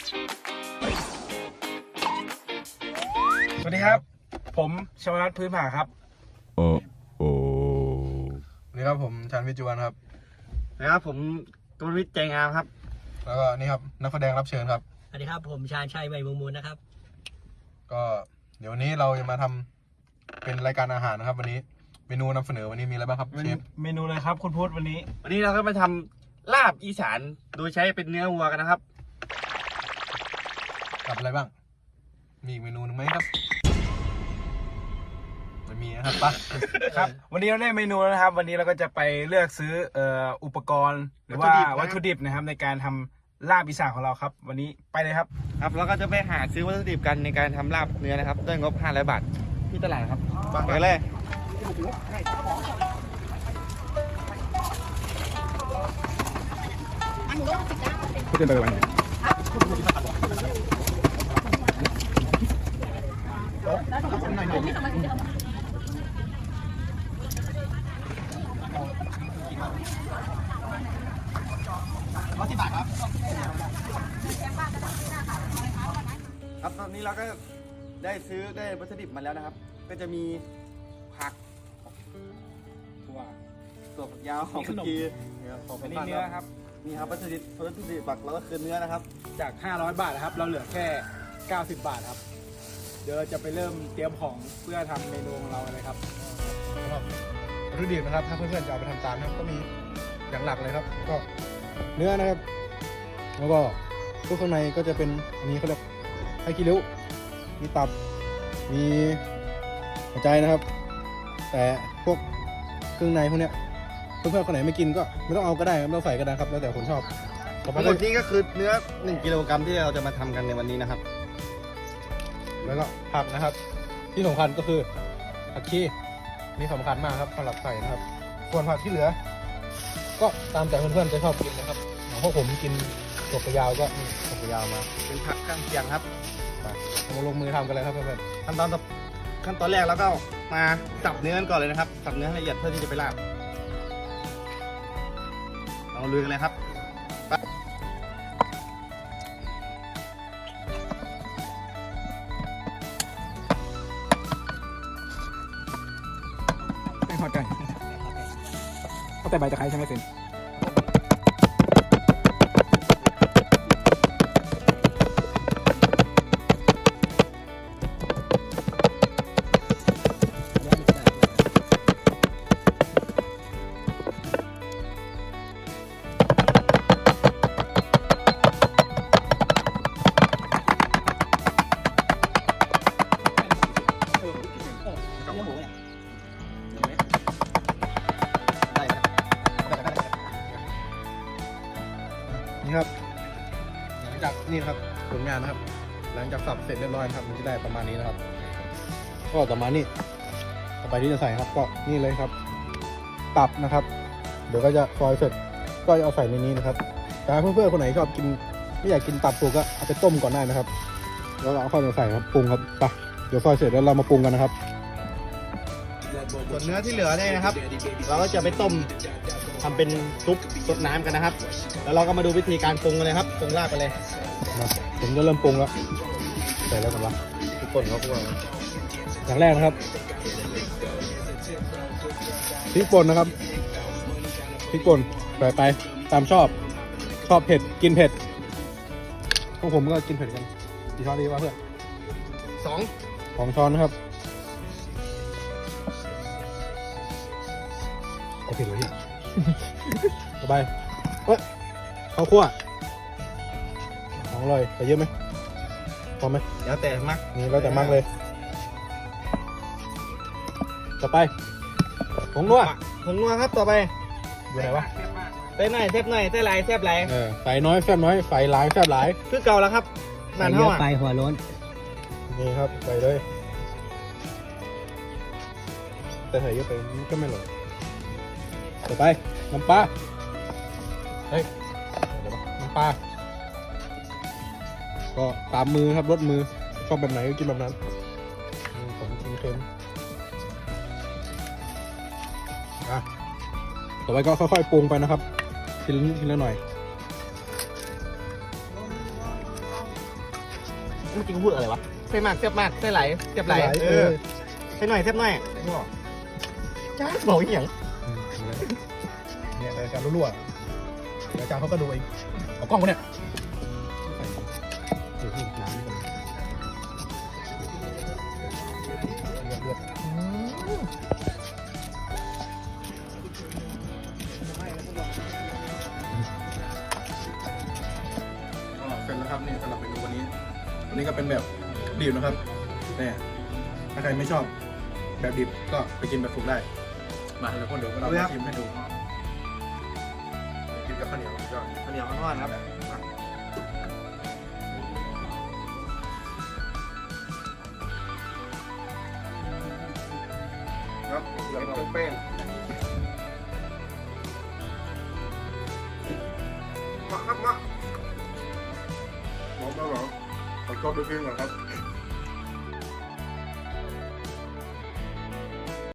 สวัสดีครับผมชวรัตน์พื้นผาครับโอ้นี่ครับผมชันวิจวรครับนะครับผมกมลวิทย์ใจงามครับแล้วก็นี่ครับนักแสดงรับเชิญครับสวัสดีครับผมชาญชัยใบมุงมูลนะครับก็เดี๋ยววันนี้เราจะมาทำเป็นรายการอาหารนะครับวันนี้เมนูนำเสนอวันนี้มีอะไรบ้างครับเชฟเมนูเลยครับคุณพุทธวันนี้เราก็มาทำลาบอีสานโดยใช้เป็นเนื้อวัวกันนะครับกับอะไรบ้างมีอีกเมนูนึงไหมครับไม่มีนะครับปะครับวันนี้เราได้เมนูแล้วนะครับวันนี้เราก็จะไปเลือกซื้ออุปกรณ์หรือว่าวัตถุดิบนะครับในการทำลาบอีสานของเราครับวันนี้ไปเลยครับเราก็จะไปหาซื้อวัตถุดิบกันในการทำลาบเนื้อนะครับด้วยงบ500 บาทที่ตลาดครับไปเลยพูดกันไปวันนี้ครับตอนนี้เราก็ได้ซื้อได้วัตถุดิบมาแล้วนะครับก็จะมีผักถั่วฝักยาวของเมื่อกี้ของอันนี้เนื้อครับนี่ครับวัตถุดิบหลักเราก็คือเนื้อนะครับจาก500 บาทนะครับเราเหลือแค่90 บาทครับเดี๋ยวเราจะไปเริ่มเตรียมของเพื่อทำเมนูของเราเลยครับวัตถุดิบนะครับถ้าเพื่อนๆจะเอาไปทำตามนะครับก็มีอย่างหลักเลยครับก็เนื้อนะครับแล้วก็พวกข้างในก็จะเป็นอันนี้เขาเรียกไข่ขี้ริ้วมีตับมีหัวใจนะครับแต่พวกเครื่องในพวกเนี้ยเพื่อนๆคนไหนไม่กินก็ไม่ต้องเอาก็ได้ไม่ต้องใส่ก็ได้ครับแล้วแต่คนชอบทั้งหมดนี้ก็คือเนื้อ1 กิโลกรัมที่เราจะมาทำกันในวันนี้นะครับแล้วก็ผักนะครับที่สำคัญก็คือผักชีนี่สำคัญมากครับสำหรับใส่นะครับส่วนผักที่เหลือก็ตามแต่เพื่อนๆจะชอบกินนะครับอย่างพวกผมกินถั่วฝักยาวก็ถั่วฝักยาวมาเป็นผักข้างเคียงครับมาลงมือทำกันเลยครับเพื่อนๆขั้นตอนแรกเราก็มาสับเนื้อกันก่อนเลยนะครับสับเนื้อให้ละเอียดเพื่อที่จะไปลาบเราลุยกันเลยครับแป้งทอดไก่เขาแต่ใบตะไคร้ใช่ไหมเซนนี่ครับหลังจากนี่ครับผลงานนะครับหลังจากสับเสร็จเรียบร้อยครับมันจะได้ประมาณนี้นะครับก็ต่อมานี่ต่อไปที่จะใส่ครับก็นี่เลยครับตับนะครับเดี๋ยวก็จะซอยเสร็จก็จะเอาใส่ในนี้นะครับแต่เพื่อนๆคนไหนชอบกินไม่อยากกินตับสุกก็เอาไปต้มก่อนได้นะครับแล้วเราเอาเข้ามาใส่ครับปรุงครับไปเดี๋ยวซอยเสร็จแล้วเรามาปรุงกันนะครับส่วนเนื้อที่เหลือเนี่ยนะครับเราก็จะไปต้มทำเป็นซุปซดน้ำกันนะครับแล้วเราก็มาดูวิธีการปรุงกันเลยครับปรุงลาบไปเลยผมจะเริ่มปรุงแล้วใส่แล้วกันวะทุกคนเขาพูดอย่างแรกนะครับพริกป่นนะครับพริกป่นใส่ไปตามชอบเผ็ดกินเผ็ดพวกผมก็กินเผ็ดกันกี่ช้อนดีวะเพื่อน2ช้อนนะครับโอเคเลยต่อไปข้าวคั่วของอร่อยใส่เยอะไหมพอไหมแล้วแต่มักนี่แล้วแต่มักเลยต่อไปผงนัวครับต่อไปอยู่ไหนวะเต้นหน่อยแซ่บหน่อยเต้นหลายแซ่บหลายใส่น้อยแซ่บน้อยใส่หลายแซ่บหลายคือเก่าแล้วครับนานเท่าไปหัวโล้นนี่ครับใส่เลยแต่ใส่เยอะไปก็ไม่หล่นต่อไปน้ำปลาเฮ้ยเดี๋ยวน้ำปลาก็ตามมือครับรสมือชอบแบบไหนก็กินแบบนั้นผมกินเค็มต่อไปก็ค่อยๆปรุงไปนะครับทีละหน่อยมื่อกี้กูพูดอะไรวะใส่มากแซ่บมากใส่ไหลแซ่บไหลใส่หน่อยแซ่บหน่อยจ้าบอกอีกอย่างเนี่ยรายการรั่วๆรายการเขาก็ดูเองเอากล้องกูเนี่ยเลือดเสร็จแล้วครับนี่สำหรับเมนูวันนี้ก็เป็นแบบดิบนะครับเนี่ยถ้าใครไม่ชอบแบบดิบก็ไปกินแบบสุกได้มาแล้วก็เดี๋ยวเรามาชิมให้ดูกินกับข้าวเหนียวยอดข้าวเหนียวข้าวทอดครับครับเป็นแป้งมาครับมาหอมแล้วเหรอขอชอบด้วยกินก่อนครับ